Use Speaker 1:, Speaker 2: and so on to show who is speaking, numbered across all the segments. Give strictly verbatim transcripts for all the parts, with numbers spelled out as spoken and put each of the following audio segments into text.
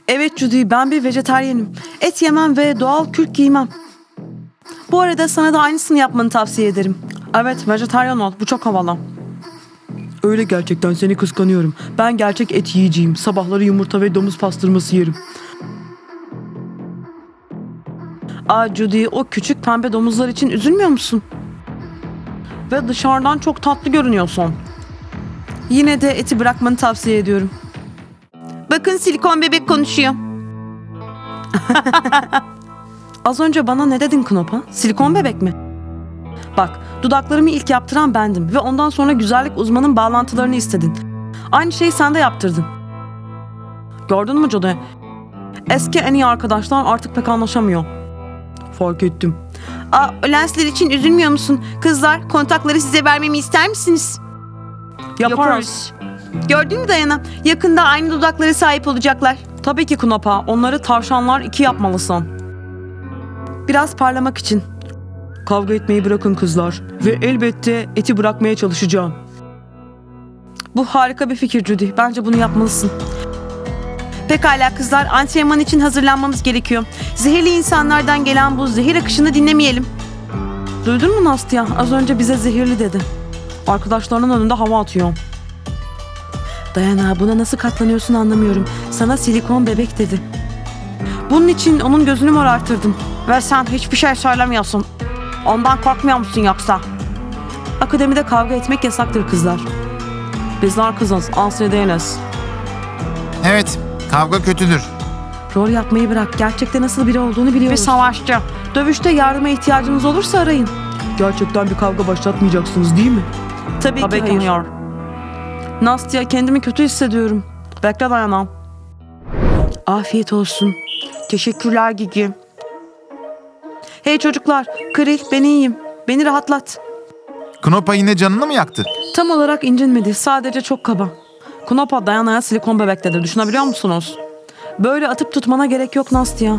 Speaker 1: Evet Judy, ben bir vejetaryenim. Et yemem ve doğal kürk giymem. Bu arada sana da aynısını yapmanı tavsiye ederim. Evet, vejetaryen ol. Bu çok havalı. Öyle gerçekten, seni kıskanıyorum. Ben gerçek et yiyeceğim. Sabahları yumurta ve domuz pastırması yerim. Aa Judy, o küçük pembe domuzlar için üzülmüyor musun? Ve dışarıdan çok tatlı görünüyorsun. Yine de eti bırakmanı tavsiye ediyorum. Bakın, silikon bebek konuşuyor. Az önce bana ne dedin Knopa? Silikon bebek mi? Bak, dudaklarımı ilk yaptıran bendim ve ondan sonra güzellik uzmanın bağlantılarını istedin. Aynı şeyi sen de yaptırdın. Gördün mü Judy? Eski en iyi arkadaşlar artık pek anlaşamıyor. Fark ettim. Aa, lensler için üzülmüyor musun? Kızlar, kontakları size vermemi ister misiniz? Yaparız. Gördün mü Dayana? Yakında aynı dudaklara sahip olacaklar. Tabii ki Knopa. Onları tavşanlar iki yapmalısın. Biraz parlamak için. Kavga etmeyi bırakın kızlar. Ve elbette eti bırakmaya çalışacağım. Bu harika bir fikir Judy. Bence bunu yapmalısın. Pekala kızlar, antrenman için hazırlanmamız gerekiyor. Zehirli insanlardan gelen bu zehir akışını dinlemeyelim. Duydun mu Nastya? Az önce bize zehirli dedi. Arkadaşlarının önünde hava atıyor. Dayana, buna nasıl katlanıyorsun anlamıyorum. Sana silikon bebek dedi. Bunun için onun gözünü morartırdım. Ve sen hiçbir şey söylemiyorsun. Ondan korkmuyor musun yoksa? Akademide kavga etmek yasaktır kızlar. Bizler kızız, ansiye değiliz.
Speaker 2: Evet, kavga kötüdür.
Speaker 1: Rol yapmayı bırak. Gerçekte nasıl biri olduğunu biliyoruz. Bir savaşçı. Dövüşte yardıma ihtiyacınız olursa arayın. Gerçekten bir kavga başlatmayacaksınız değil mi? Tabii, Tabii ki hayır. Nastya, kendimi kötü hissediyorum. Bekle Dayana. Afiyet olsun. Teşekkürler Gigi. Hey çocuklar, Kril, ben iyiyim. Beni rahatlat.
Speaker 2: Knopa yine canını mı yaktı?
Speaker 1: Tam olarak incinmedi. Sadece çok kaba. Knopa Dayana'ya silikon bebek dedi. Düşünebiliyor musunuz? Böyle atıp tutmana gerek yok Nastya.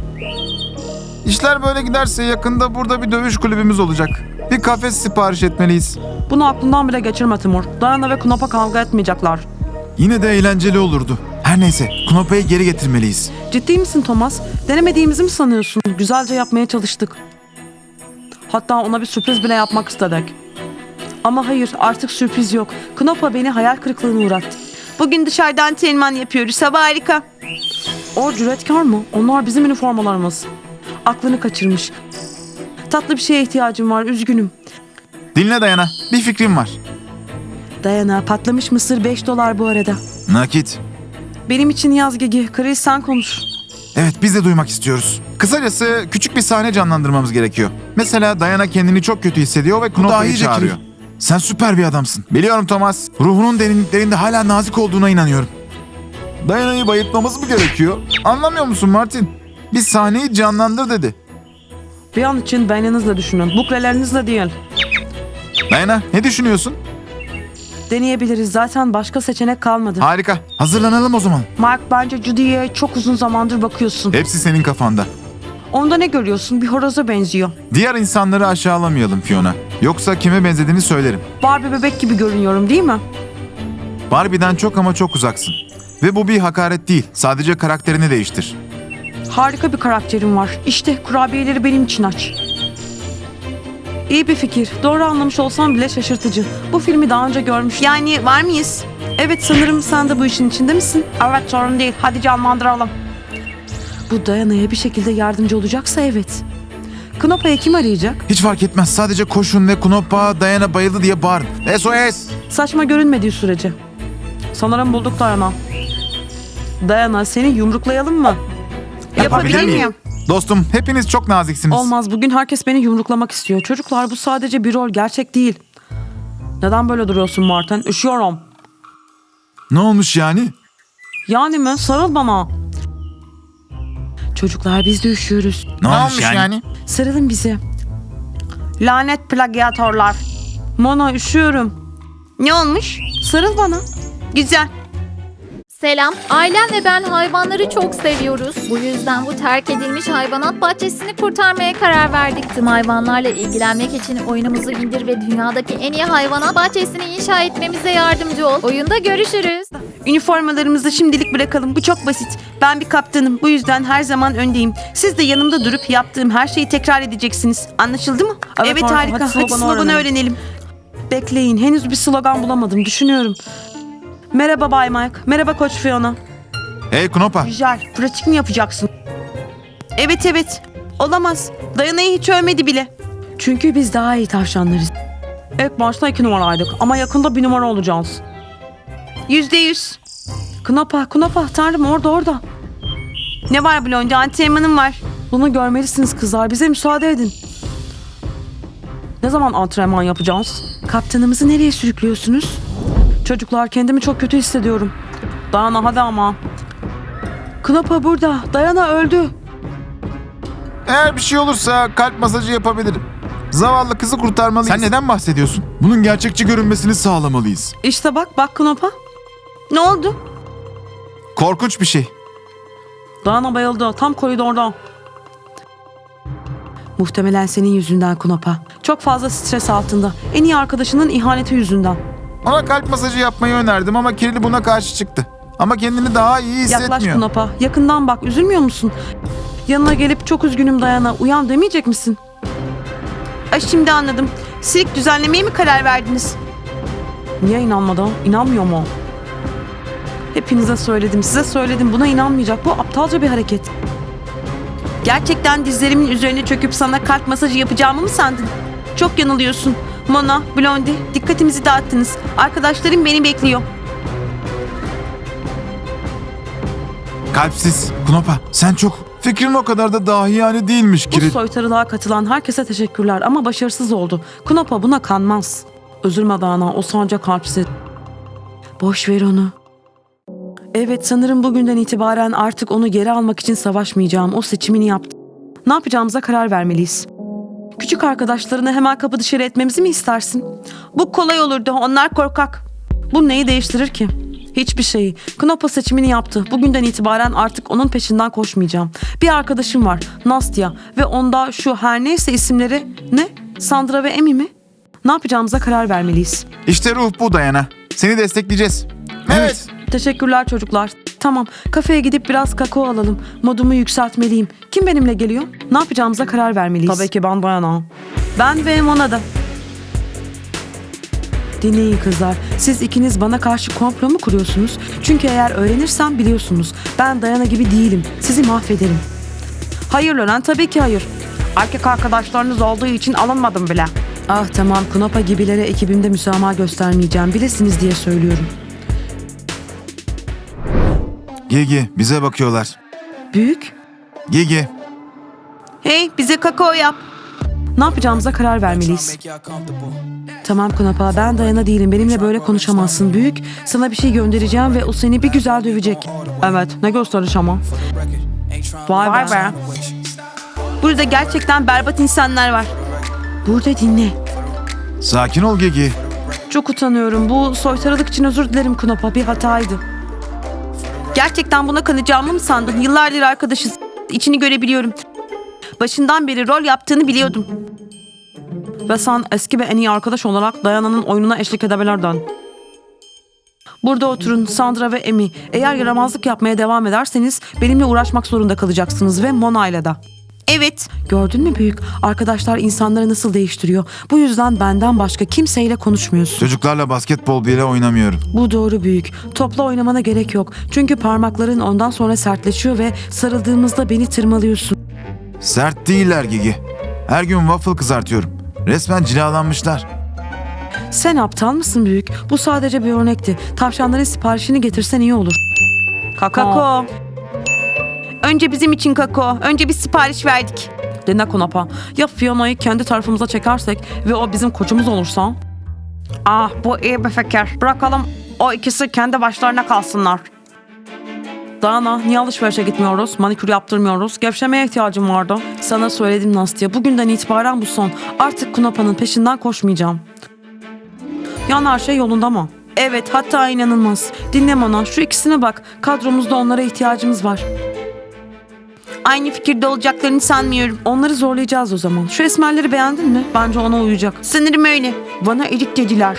Speaker 2: İşler böyle giderse yakında burada bir dövüş kulübümüz olacak. Bir kafes sipariş etmeliyiz.
Speaker 1: Bunu aklından bile geçirme Timur. Dayana ve Knopa kavga etmeyecekler.
Speaker 2: Yine de eğlenceli olurdu. Her neyse, Knopa'yı geri getirmeliyiz.
Speaker 1: Ciddi misin Thomas? Denemediğimizi mi sanıyorsun? Güzelce yapmaya çalıştık. Hatta ona bir sürpriz bile yapmak istedik. Ama hayır, artık sürpriz yok. Knopa beni hayal kırıklığına uğrattı. Bugün dışarıdan antrenman yapıyoruz. Hava harika. O cüretkar mı? Onlar bizim üniformalarımız. Aklını kaçırmış. Tatlı bir şeye ihtiyacım var. Üzgünüm.
Speaker 2: Dinle Dayana, bir fikrim var.
Speaker 1: Dayana, patlamış mısır beş dolar bu arada.
Speaker 2: Nakit.
Speaker 1: Benim için yaz Gigi. Chris sen konuş.
Speaker 2: Evet, biz de duymak istiyoruz. Kısacası küçük bir sahne canlandırmamız gerekiyor. Mesela Dayana kendini çok kötü hissediyor ve Knopa'yı çağırıyor. Sen süper bir adamsın. Biliyorum Thomas. Ruhunun derinliklerinde hala nazik olduğuna inanıyorum. Dayana'yı bayıltmamız mı gerekiyor? Anlamıyor musun Martin? Bir sahneyi canlandır dedi.
Speaker 1: Bir an için beyninizle düşünün. Buklelerinizle değil.
Speaker 2: Dayana, ne düşünüyorsun?
Speaker 1: Deneyebiliriz. Zaten başka seçenek kalmadı.
Speaker 2: Harika. Hazırlanalım o zaman.
Speaker 1: Mark, bence Judy'ye çok uzun zamandır bakıyorsun.
Speaker 2: Hepsi senin kafanda.
Speaker 1: Onda ne görüyorsun? Bir horoza benziyor.
Speaker 2: Diğer insanları aşağılamayalım Fiona. Yoksa kime benzediğini söylerim.
Speaker 1: Barbie bebek gibi görünüyorum değil mi?
Speaker 2: Barbie'den çok ama çok uzaksın. Ve bu bir hakaret değil. Sadece karakterini değiştir.
Speaker 1: Harika bir karakterim var. İşte kurabiyeleri benim için aç. İyi bir fikir. Doğru anlamış olsam bile şaşırtıcı. Bu filmi daha önce görmüştüm. Yani var mıyız? Evet, sanırım sen de bu işin içinde misin? Evet, sorun değil. Hadi canlandıralım. Bu Dayana'ya bir şekilde yardımcı olacaksa evet. Knopa'yı kim arayacak?
Speaker 2: Hiç fark etmez. Sadece koşun ve Knopa Dayana bayıldı diye bağırın. S O S!
Speaker 1: Saçma görünmediği sürece. Sanırım bulduk Dayana. Dayana, seni yumruklayalım mı?
Speaker 2: Yapabilir miyim? Dostum, hepiniz çok naziksiniz.
Speaker 1: Olmaz. Bugün herkes beni yumruklamak istiyor. Çocuklar, bu sadece bir rol. Gerçek değil. Neden böyle duruyorsun Martin? Üşüyorum.
Speaker 2: Ne olmuş yani?
Speaker 1: Yani mi? Sarıl bana. Çocuklar, biz de üşüyoruz.
Speaker 2: Ne, ne olmuş yani? yani?
Speaker 1: Sarılın bize. Lanet plagiatörler. Mona, üşüyorum. Ne olmuş? Sarıl bana. Güzel.
Speaker 3: Selam. Ailem ve ben hayvanları çok seviyoruz. Bu yüzden bu terk edilmiş hayvanat bahçesini kurtarmaya karar verdik. Tüm hayvanlarla ilgilenmek için oyunumuzu indir ve dünyadaki en iyi hayvanat bahçesini inşa etmemize yardımcı ol. Oyunda görüşürüz.
Speaker 1: Üniformalarımızı şimdilik bırakalım. Bu çok basit. Ben bir kaptanım. Bu yüzden her zaman öndeyim. Siz de yanımda durup yaptığım her şeyi tekrar edeceksiniz. Anlaşıldı mı?
Speaker 4: Evet,
Speaker 1: Evet,
Speaker 4: harika.
Speaker 1: harika.
Speaker 4: Hadi
Speaker 1: Hadi
Speaker 4: sloganı
Speaker 1: sloganı,
Speaker 4: öğrenelim.
Speaker 1: öğrenelim. Bekleyin. Henüz bir slogan bulamadım. Düşünüyorum. Merhaba Bay Mike. Merhaba Koç Fiona.
Speaker 2: Hey Knopa.
Speaker 1: Güzel. Pratik mi yapacaksın? Evet evet. Olamaz. Dayana'yı hiç övmedi bile. Çünkü biz daha iyi tavşanlarız. İlk başta iki numaraydık ama yakında bir numara olacağız. Yüzde yüz. Knapa, Knapa. Tanrım orada orada. Ne var Blondie? Antrenmanım var. Bunu görmelisiniz kızlar. Bize müsaade edin. Ne zaman antrenman yapacağız? Kaptanımızı nereye sürüklüyorsunuz? Çocuklar kendimi çok kötü hissediyorum. Dayana hadi ama. Knapa burada. Dayana öldü.
Speaker 2: Eğer bir şey olursa kalp masajı yapabilirim. Zavallı kızı kurtarmalıyız. Sen neden bahsediyorsun? Bunun gerçekçi görünmesini sağlamalıyız.
Speaker 1: İşte bak bak Knapa. Ne oldu?
Speaker 2: Korkunç bir şey.
Speaker 1: Dayana bayıldı. Tam koridorda. Muhtemelen senin yüzünden Knapa. Çok fazla stres altında. En iyi arkadaşının ihaneti yüzünden.
Speaker 2: Ona kalp masajı yapmayı önerdim ama Kirli buna karşı çıktı. Ama kendini daha iyi hissetmiyor.
Speaker 1: Yaklaş Knapa. Yakından bak. Üzülmüyor musun? Yanına gelip çok üzgünüm Dayana. Uyan demeyecek misin? Ay şimdi anladım. Sirk düzenlemeye mi karar verdiniz? Niye inanmadı? İnanmıyor mu? Hepinize söyledim. Size söyledim. Buna inanmayacak. Bu aptalca bir hareket. Gerçekten dizlerimin üzerine çöküp sana kalp masajı yapacağımı mı sandın? Çok yanılıyorsun. Mona, Blondie, dikkatimizi dağıttınız. Arkadaşlarım beni bekliyor.
Speaker 2: Kalpsiz. Knopa sen çok... Fikrin o kadar da dahiyane değilmiş
Speaker 1: Bu
Speaker 2: Kiril.
Speaker 1: soytarılığa katılan herkese teşekkürler ama başarısız oldu. Knapa buna kanmaz. Üzülme Dana, o sadece kalpsiz. Boş ver onu. Evet, sanırım bugünden itibaren artık onu geri almak için savaşmayacağım. O seçimini yaptı. Ne yapacağımıza karar vermeliyiz. Küçük arkadaşlarını hemen kapı dışarı etmemizi mi istersin? Bu kolay olurdu. Onlar korkak. Bu neyi değiştirir ki? Hiçbir şeyi. Knopa seçimini yaptı. Bugünden itibaren artık onun peşinden koşmayacağım. Bir arkadaşım var. Nastya. Ve onda şu her neyse isimleri... Ne? Sandra ve Emi mi? Ne yapacağımıza karar vermeliyiz.
Speaker 2: İşte ruh bu Dayana. Seni destekleyeceğiz. Evet.
Speaker 1: Teşekkürler çocuklar. Tamam, kafeye gidip biraz kakao alalım. Modumu yükseltmeliyim. Kim benimle geliyor? Ne yapacağımıza karar vermeliyiz. Tabii ki ben Dayana. Ben ve Mona da. Dinleyin kızlar. Siz ikiniz bana karşı komplo mu kuruyorsunuz? Çünkü eğer öğrenirsem biliyorsunuz. Ben Dayana gibi değilim. Sizi mahvederim. Hayır Loren, tabii ki hayır. Erkek arkadaşlarınız olduğu için alınmadım bile. Ah tamam, Knapa gibilere ekibimde müsamaha göstermeyeceğim. Bilesiniz diye söylüyorum.
Speaker 2: Gigi bize bakıyorlar.
Speaker 1: Büyük.
Speaker 2: Gigi.
Speaker 1: Hey, bize kakao yap. Ne yapacağımıza karar vermeliyiz. Tamam Knapa, ben Dayana değilim. Benimle böyle konuşamazsın. Büyük, sana bir şey göndereceğim ve o seni bir güzel dövecek. Evet, ne gösteriş ama. Vay, Vay be. Burada gerçekten berbat insanlar var. Burada dinle.
Speaker 2: Sakin ol Gigi.
Speaker 1: Çok utanıyorum. Bu soytarılık için özür dilerim Knapa. Bir hataydı. Gerçekten buna kanacağımı mı sandın? Yıllardır arkadaşız. İçini görebiliyorum. Başından beri rol yaptığını biliyordum. Ve sen eski ve en iyi arkadaş olarak Dayana'nın oyununa eşlik edebilirdin. Burada oturun Sandra ve Emi. Eğer yaramazlık yapmaya devam ederseniz benimle uğraşmak zorunda kalacaksınız ve Mona'yla da. Evet. Gördün mü büyük? Arkadaşlar insanları nasıl değiştiriyor. Bu yüzden benden başka kimseyle konuşmuyorsun.
Speaker 2: Çocuklarla basketbol bile oynamıyorum.
Speaker 1: Bu doğru büyük. Topla oynamana gerek yok. Çünkü parmakların ondan sonra sertleşiyor ve sarıldığımızda beni tırmalıyorsun.
Speaker 2: Sert değiller Gigi. Her gün waffle kızartıyorum. Resmen cilalanmışlar.
Speaker 1: Sen aptal mısın büyük? Bu sadece bir örnekti. Tavşanların siparişini getirsen iyi olur. Kakao. Önce bizim için kakao. Önce bir sipariş verdik. Dinle Knapa. Ya Fiona'yı kendi tarafımıza çekersek ve o bizim koçumuz olursa? Ah, bu iyi bir fikir. Bırakalım o ikisi kendi başlarına kalsınlar. Dana, niye alışverişe gitmiyoruz? Manikür yaptırmıyoruz. Gevşemeye ihtiyacım vardı. Sana söyledim Nastya. Bugünden itibaren bu son. Artık Knapa'nın peşinden koşmayacağım. Yani her şey yolunda mı? Evet, hatta inanılmaz. Dinle Mona, şu ikisine bak. Kadromuzda onlara ihtiyacımız var. Aynı fikirde olacaklarını sanmıyorum. Onları zorlayacağız o zaman. Şu esmerleri beğendin mi? Bence ona uyacak. Sanırım öyle. Bana erik dediler.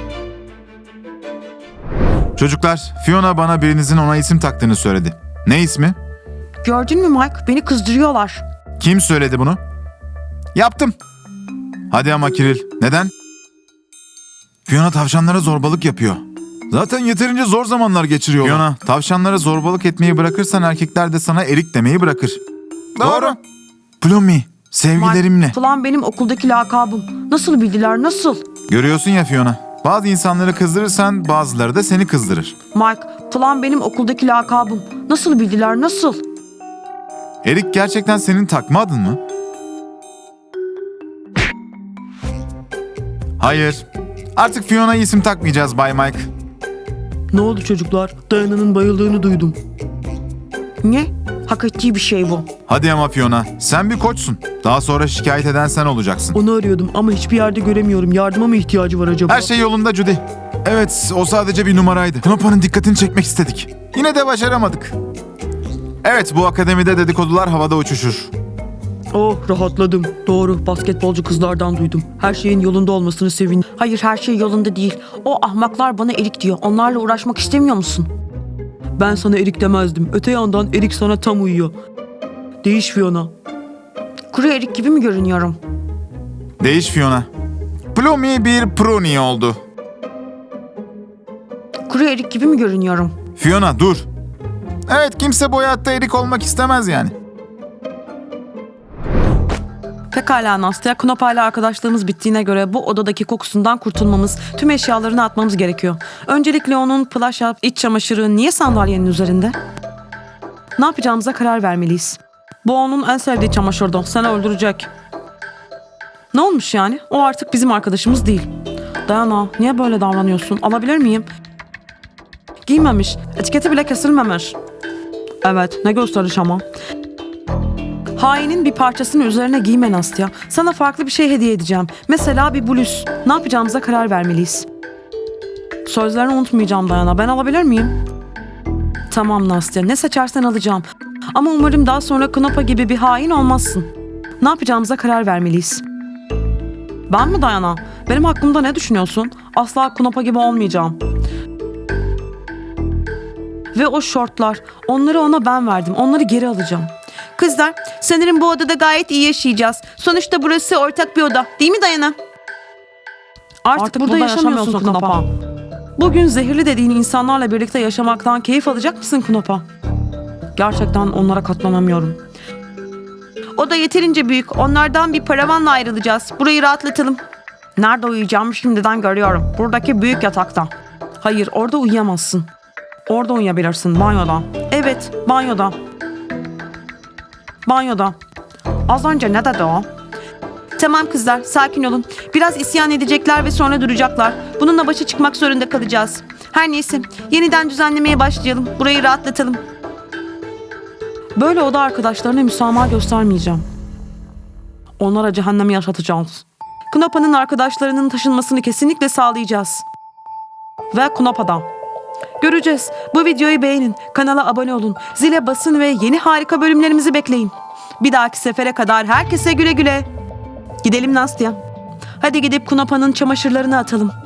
Speaker 2: Çocuklar, Fiona bana birinizin ona isim taktığını söyledi. Ne ismi?
Speaker 1: Gördün mü Mike? Beni kızdırıyorlar.
Speaker 2: Kim söyledi bunu? Yaptım. Hadi ama Kiril, neden? Fiona tavşanlara zorbalık yapıyor. Zaten yeterince zor zamanlar geçiriyor. Fiona, tavşanlara zorbalık etmeyi bırakırsan erkekler de sana erik demeyi bırakır. Doğru. Plummy, sevgilerimle.
Speaker 1: Mike, falan benim okuldaki lakabım. Nasıl bildiler, nasıl?
Speaker 2: Görüyorsun ya Fiona, bazı insanları kızdırırsan bazıları da seni kızdırır.
Speaker 1: Mike, falan benim okuldaki lakabım. Nasıl bildiler, nasıl?
Speaker 2: Erik gerçekten senin takma adın mı? Hayır. Artık Fiona'ya isim takmayacağız Bay Mike.
Speaker 1: Ne oldu çocuklar? Dayana'nın bayıldığını duydum. Ne? Hak ettiği bir şey bu.
Speaker 2: Hadi ama Fiona, sen bir koçsun. Daha sonra şikayet eden sen olacaksın.
Speaker 1: Onu arıyordum ama hiçbir yerde göremiyorum. Yardıma mı ihtiyacı var acaba?
Speaker 2: Her şey yolunda Judy. Evet, o sadece bir numaraydı. Knopa'nın dikkatini çekmek istedik. Yine de başaramadık. Evet, bu akademide dedikodular havada uçuşur.
Speaker 1: Oh, rahatladım. Doğru, basketbolcu kızlardan duydum. Her şeyin yolunda olmasını sevindim. Hayır, her şey yolunda değil. O ahmaklar bana erik diyor. Onlarla uğraşmak istemiyor musun? Ben sana erik demezdim. Öte yandan erik sana tam uyuyor. Değiş Fiona. Kuru erik gibi mi görünüyorum?
Speaker 2: Değiş Fiona. Plummy bir pruni oldu.
Speaker 1: Kuru erik gibi mi görünüyorum?
Speaker 2: Fiona dur. Evet, kimse bu hayatta erik olmak istemez yani.
Speaker 1: Pekala Nastya, Knopa ile arkadaşlığımız bittiğine göre bu odadaki kokusundan kurtulmamız, tüm eşyalarını atmamız gerekiyor. Öncelikle onun plaşa, iç çamaşırı niye sandalyenin üzerinde? Ne yapacağımıza karar vermeliyiz. Bu onun en sevdiği çamaşırdı. Seni öldürecek. Ne olmuş yani? O artık bizim arkadaşımız değil. Dayana, niye böyle davranıyorsun? Alabilir miyim? Giymemiş. Etiketi bile kesilmemiş. Evet, ne gösteriş ama. Hainin bir parçasını üzerine giyme Nastya. Sana farklı bir şey hediye edeceğim. Mesela bir bluz. Ne yapacağımıza karar vermeliyiz. Sözlerini unutmayacağım Dayana. Ben alabilir miyim? Tamam Nastya. Ne seçersen alacağım. Ama umarım daha sonra Knopa gibi bir hain olmazsın. Ne yapacağımıza karar vermeliyiz. Ben mi Dayana? Benim hakkımda ne düşünüyorsun? Asla Knopa gibi olmayacağım. Ve o şortlar. Onları ona ben verdim. Onları geri alacağım. Kızlar, sanırım bu odada gayet iyi yaşayacağız. Sonuçta burası ortak bir oda. Değil mi Dayana? Artık, Artık burada, burada yaşamıyorsun Knopa. Bugün zehirli dediğin insanlarla birlikte yaşamaktan keyif alacak mısın Knopa? Gerçekten onlara katlanamıyorum. Oda yeterince büyük. Onlardan bir paravanla ayrılacağız. Burayı rahatlatalım. Nerede uyuyacağımı şimdiden görüyorum. Buradaki büyük yatakta. Hayır, orada uyuyamazsın. Orada uyuyabilirsin, banyoda. Evet, banyoda. Banyoda. Az önce ne dedi o? Tamam kızlar, sakin olun. Biraz isyan edecekler ve sonra duracaklar. Bununla başa çıkmak zorunda kalacağız. Her neyse, yeniden düzenlemeye başlayalım. Burayı rahatlatalım. Böyle oda arkadaşlarına müsamaha göstermeyeceğim. Onlara cehennemi yaşatacağız. Knopa'nın arkadaşlarının taşınmasını kesinlikle sağlayacağız. Ve Knopa'da. Göreceğiz. Bu videoyu beğenin, kanala abone olun, zile basın ve yeni harika bölümlerimizi bekleyin. Bir dahaki sefere kadar herkese güle güle. Gidelim Nastya. Hadi gidip Knopa'nın çamaşırlarını atalım.